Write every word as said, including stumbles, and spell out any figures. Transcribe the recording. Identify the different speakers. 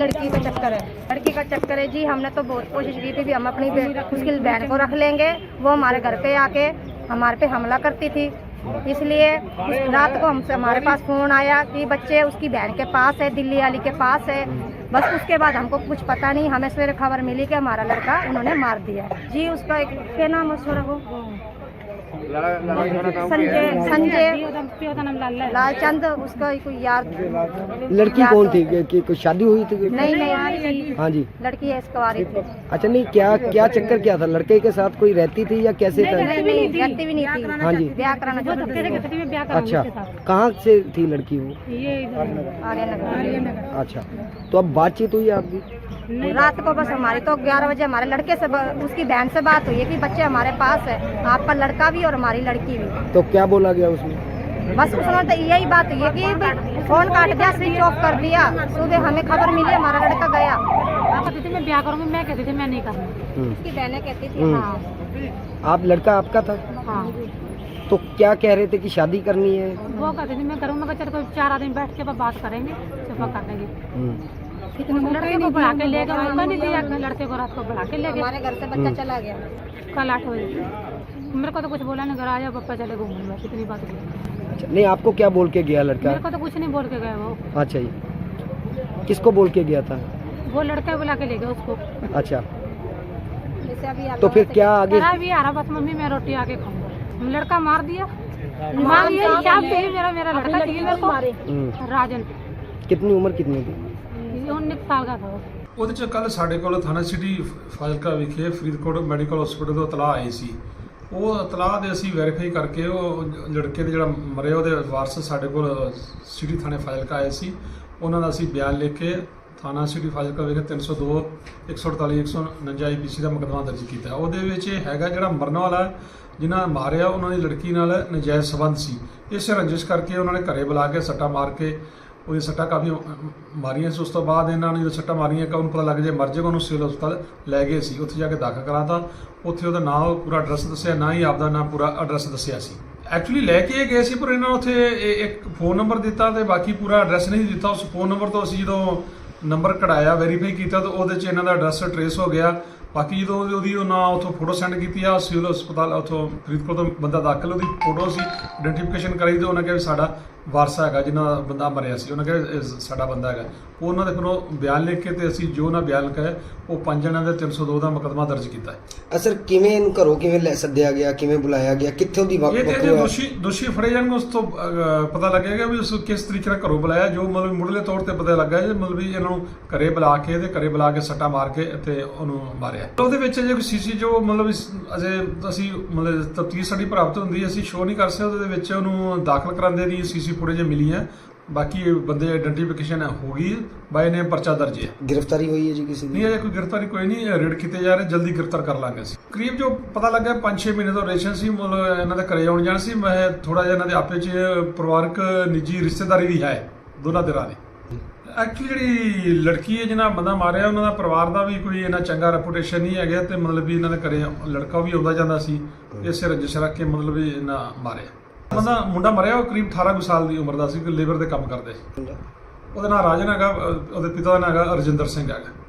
Speaker 1: लड़की का चक्कर है, लड़की का चक्कर है जी। हमने तो बहुत कोशिश की थी भी हम अपनी उसकी बहन को रख लेंगे, वो हमारे घर पे आके हमारे पे हमला करती थी। इसलिए रात को हमसे हमारे पास फ़ोन आया कि बच्चे उसकी बहन के पास है, दिल्ली वाली के पास है। बस उसके बाद हमको कुछ पता नहीं, हमें सवेरे खबर मिली कि हमारा लड़का उन्होंने मार दिया जी। उसका एक क्या नाम है उसका, वो संजय संजय लालचंद, उसका कोई यार।
Speaker 2: लड़की कौन थी कि, कि कोई शादी हुई थी?
Speaker 1: नहीं नहीं,
Speaker 2: हाँ जी,
Speaker 1: लड़की है इसकुआरी थी।
Speaker 2: अच्छा, नहीं क्या क्या चक्कर क्या था? लड़के के साथ कोई रहती थी या कैसे था?
Speaker 1: नहीं नहीं, रहती भी नहीं थी।
Speaker 2: हाँ जी,
Speaker 1: ब्याह कराना चाहती थी।
Speaker 2: अच्छा, कहाँ से थी लड़की वो?
Speaker 1: आर्यनगर।
Speaker 2: अच्छा, तो अब बातचीत हुई आपकी?
Speaker 1: रात को बस हमारी तो ग्यारह बजे हमारे लड़के से उसकी बहन से बात हुई है कि बच्चे हमारे पास है, आपका लड़का भी और हमारी लड़की भी।
Speaker 2: तो क्या बोला गया उसमें?
Speaker 1: बस उसने तो यही बात हुई है कि फोन काट दिया, स्विच ऑफ कर दिया। सुबह हमें खबर मिली हमारा लड़का गया। आप कहती थी मैं ब्याह करूंगी, मैं कहती थी मैं नहीं करूंगी, उसकी बहनें कहती थी हाँ।
Speaker 2: आप लड़का आपका था?
Speaker 1: हाँ।
Speaker 2: तो क्या कह रहे थे कि शादी करनी है?
Speaker 1: वो कहती थी मैं करूँगा, चल कोई चार आदमी बैठ के बात करेंगे, सुबह कर देंगे। लड़के को बढ़ा के ले गए, मौका नहीं दिया, लड़के को रात को बढ़ा के ले गए। हमारे घर से बच्चा चला गया कल आठ बजे। मेरे को तो कुछ बोला नहीं, घर आया पापा चले घूमने, बस इतनी बात हुई।
Speaker 2: अच्छा, नहीं आपको क्या बोल के गया लड़का?
Speaker 1: मेरे को तो कुछ नहीं बोल के गया वो।
Speaker 2: अच्छा जी, किसको बोल के गया था?
Speaker 1: वो लड़का बुला के ले गया उसको।
Speaker 2: अच्छा, तो फिर क्या आगे?
Speaker 1: भी आ रहा, बस मम्मी मैं रोटी आके खाऊंगा। लड़का मार दिया, मार दिया मेरा मेरा लड़का चाहिए मेरे को। राजन।
Speaker 2: कितनी उम्र कितनी थी?
Speaker 1: उन्नीस साल का था।
Speaker 3: ਉਹਦੇ ਚ ਕੱਲ ਸਾਡੇ ਕੋਲ ਥਾਣਾ ਸਿਟੀ ਫਾਜ਼ਿਲਕਾ ਵਿਖੇ ਫਰੀਦਕੋਟ ਮੈਡੀਕਲ ਹਸਪੀਟਲ ਤੋਂ ਇਤਲਾਹ ਆਈ ਸੀ। ਉਹ ਇਤਲਾਹ ਦੇ ਅਸੀਂ ਵੈਰੀਫਾਈ ਕਰਕੇ ਉਹ ਲੜਕੇ ਦੇ ਜਿਹੜਾ ਮਰਿਆ ਉਹਦੇ ਵਾਰਸ ਸਾਡੇ ਕੋਲ ਸਿਟੀ ਥਾਣੇ ਫਾਜ਼ਿਲਕਾ ਆਏ ਸੀ। ਉਹਨਾਂ ਦਾ ਅਸੀਂ ਬਿਆਨ ਲਿਖ ਕੇ ਥਾਣਾ ਸਿਟੀ ਫਾਜ਼ਿਲਕਾ ਵਿਖੇ ਤਿੰਨ ਸੌ ਦੋ, ਇੱਕ ਸੌ ਅੜਤਾਲੀ, ਇੱਕ ਸੌ ਉਣੰਜਾ ਆਈ ਪੀ ਸੀ ਦਾ ਮੁਕੱਦਮਾ ਦਰਜ ਕੀਤਾ। ਉਹਦੇ ਵਿੱਚ ਇਹ ਹੈਗਾ ਜਿਹੜਾ ਮਰਨ ਵਾਲਾ ਜਿਨ੍ਹਾਂ ਮਾਰਿਆ ਉਹਨਾਂ ਦੀ ਲੜਕੀ ਨਾਲ ਨਜਾਇਜ਼ ਸੰਬੰਧ ਸੀ। ਇਸ ਰੰਜਿਸ਼ ਕਰਕੇ ਉਹਨਾਂ ਨੇ ਘਰੇ ਬੁਲਾ ਕੇ ਸੱਟਾ ਮਾਰ ਕੇ ਉਹਦੀ ਸੱਟਾਂ ਕਾਫੀ ਮਾਰੀਆਂ ਸੀ। ਉਸ ਤੋਂ ਬਾਅਦ ਇਹਨਾਂ ਨੇ ਜਦੋਂ ਸੱਟਾਂ ਮਾਰੀਆਂ ਕਿ ਉਹਨੂੰ ਪਤਾ ਲੱਗ ਜੇ ਮਰ ਜਾਏਗਾ, ਉਹਨੂੰ ਸਿਵਲ ਹਸਪਤਾਲ ਲੈ ਗਏ ਸੀ। ਉੱਥੇ ਜਾ ਕੇ ਦਾਖਲ ਕਰਾਤਾ। ਉੱਥੇ ਉਹਦਾ ਨਾਂ ਪੂਰਾ ਐਡਰੈਸ ਦੱਸਿਆ, ਨਾ ਹੀ ਆਪਦਾ ਨਾਂ ਪੂਰਾ ਐਡਰੈਸ ਦੱਸਿਆ ਸੀ। ਐਕਚੁਅਲੀ ਲੈ ਕੇ ਗਏ ਸੀ, ਪਰ ਇਹਨਾਂ ਨੂੰ ਉੱਥੇ ਇੱਕ ਫੋਨ ਨੰਬਰ ਦਿੱਤਾ ਤੇ ਬਾਕੀ ਪੂਰਾ ਐਡਰੈਸ ਨਹੀਂ ਦਿੱਤਾ। ਉਸ ਫੋਨ ਨੰਬਰ ਤੋਂ ਅਸੀਂ ਜਦੋਂ ਨੰਬਰ ਕਢਾਇਆ, ਵੈਰੀਫਾਈ ਕੀਤਾ ਤਾਂ ਉਹਦੇ 'ਚ ਇਹਨਾਂ ਦਾ ਐਡਰੈਸ ਟਰੇਸ ਹੋ ਗਿਆ। ਬਾਕੀ ਜਦੋਂ ਉਹਦੀ ਉਹ ਨਾਂ ਉੱਥੋਂ ਫੋਟੋ ਸੈਂਡ ਕੀਤੀ ਆ ਸਿਵਲ ਹਸਪਤਾਲ ਉੱਥੋਂ ਫਰੀਦਕੋਟ ਤੋਂ ਬੰਦਾ ਦਾਖਲ, ਉਹਦੀ ਫੋਟੋ ਸੀ ਆਇਡੈਂਟੀਫਿਕੇਸ਼ਨ ਕਰਾਈ ਤੇ ਉਹਨਾਂ ਕਿਹਾ ਵੀ ਸਾਡਾ ਵਾਰਸ ਹੈਗਾ ਜਿਹਨਾਂ ਦਾ ਬੰਦਾ ਮਰਿਆ ਸੀ। ਉਹਨਾਂ ਕਿਹਾ ਸਾਡਾ ਬੰਦਾ ਹੈਗਾ। ਉਹਨਾਂ ਦੇ ਫਿਰ ਉਹ ਬਿਆਨ ਲਿਖ ਕੇ ਤੇ ਅਸੀਂ ਜੋ ਉਹਨਾਂ ਬਿਆਨ ਲਿਖਿਆ ਉਹ ਪੰਜ ਜਣਿਆਂ ਦੇ ਤਿੰਨ ਸੌ ਦੋ ਦਾ ਮੁਕੱਦਮਾ ਦਰਜ ਕੀਤਾ ਹੈ।
Speaker 2: ਅਸਰ ਕਿਵੇਂ ਇਹਨੂੰ ਘਰੋਂ ਕਿਵੇਂ ਲੈ ਸੱਦਿਆ ਗਿਆ, ਕਿਵੇਂ ਬੁਲਾਇਆ ਗਿਆ, ਕਿੱਥੋਂ ਦੀ
Speaker 3: ਇਹ ਤੇ ਦੋਸ਼ੀ ਦੋਸ਼ੀ ਫੜੇ ਜਾਣਗੇ, ਉਸ ਤੋਂ ਪਤਾ ਲੱਗੇਗਾ ਵੀ ਉਸ ਕਿਸ ਤਰੀਕੇ ਨਾਲ ਘਰੋਂ ਬੁਲਾਇਆ। ਜੋ ਮਤਲਬ ਮੁੱਢਲੇ ਤੌਰ ਤੇ ਪਤਾ ਲੱਗਾ ਜੇ ਮਤਲਬ ਵੀ ਇਹਨਾਂ ਨੂੰ ਘਰੇ ਬੁਲਾ ਕੇ ਤੇ ਘਰੇ ਬੁਲਾ ਕੇ ਸੱਟਾ ਮਾਰ ਕੇ ਤੇ ਉਹਨੂੰ ਮਾਰਿਆ। ਉਹਦੇ ਵਿੱਚ ਜੇ ਕੋਈ ਸੀਸੀ ਜੋ ਮਤਲਬ ਅਜੇ ਅਸੀਂ ਮਤਲਬ ਤਫਤੀਸ਼ ਸਾਡੀ ਪ੍ਰਾਪਤ ਹੁੰਦੀ, ਅਸੀਂ ਸ਼ੋਅ ਨਹੀਂ ਕਰ ਸਕਦੇ। ਉਹਦੇ ਵਿੱਚ ਉਹਨੂੰ ਦਾਖਲ ਕਰਾਉਂਦੇ ਦੀ ਸੀਸੀ ਫੁਟੇਜ ਮਿਲੀ ਹੈ। ਬਾਕੀ ਬੰਦੇ ਆਇਡੈਂਟੀਫਿਕੇਸ਼ਨ ਹੋ ਗਈ, ਬਾਈ ਨੇ ਪਰਚਾ ਦਰਜ ਹੈ।
Speaker 2: ਗ੍ਰਿਫਤਾਰੀ ਹੋਈ ਹੈ ਜੀ ਕਿਸੇ ਦੀ?
Speaker 3: ਨਹੀਂ, ਅਜੇ ਕੋਈ ਗ੍ਰਿਫਤਾਰੀ ਕੋਈ ਨਹੀਂ, ਰੇਡ ਕੀਤੇ ਜਾ ਰਹੇ, ਜਲਦੀ ਗ੍ਰਿਫਤਾਰ ਕਰ ਲਾਂਗੇ ਅਸੀਂ। ਕਰੀਬ ਜੋ ਪਤਾ ਲੱਗਾ ਪੰਜ ਛੇ ਮਹੀਨੇ ਤੋਂ ਰਿਲੇਸ਼ਨ ਸੀ, ਮਤਲਬ ਇਹਨਾਂ ਦੇ ਘਰੇ ਆਉਣ ਜਾਣ ਸੀ। ਮੈਂ ਥੋੜਾ ਜਿਹਾ ਇਹਨਾਂ ਦੇ ਆਪੇ 'ਚ ਪਰਿਵਾਰਕ ਨਿੱਜੀ ਰਿਸ਼ਤੇਦਾਰੀ ਵੀ ਹੈ ਦੋਨਾਂ ਧਿਰਾਂ ਦੀ। ਐਕਚੁਅਲੀ ਜਿਹੜੀ ਲੜਕੀ ਹੈ ਜਿਹਨਾਂ ਬੰਦਾ ਮਾਰਿਆ, ਉਹਨਾਂ ਦਾ ਪਰਿਵਾਰ ਦਾ ਵੀ ਕੋਈ ਇੰਨਾ ਚੰਗਾ ਰੈਪੂਟੇਸ਼ਨ ਨਹੀਂ ਹੈਗਾ ਤੇ ਮਤਲਬ ਵੀ ਇਹਨਾਂ ਦੇ ਘਰੇ ਲੜਕਾ ਵੀ ਆਉਂਦਾ ਜਾਂਦਾ ਸੀ। ਇਸੇ ਰੰਜਿਸ਼ ਰੱਖ ਕੇ ਮਤਲਬ ਵੀ ਇਹਨਾਂ ਮਾਰਿਆ। ਬੰਦਾ ਮੁੰਡਾ ਮਰਿਆ ਉਹ ਕਰੀਬ ਅਠਾਰਾਂ ਕੁ ਸਾਲ ਦੀ ਉਮਰ ਦਾ ਸੀ, ਲੇਬਰ ਦੇ ਕੰਮ ਕਰਦੇ ਸੀ। ਉਹਦਾ ਨਾਂ ਰਾਜਨ ਹੈਗਾ, ਉਹਦੇ ਪਿਤਾ ਦਾ ਨਾਂ ਹੈਗਾ ਰਜਿੰਦਰ ਸਿੰਘ ਹੈਗਾ।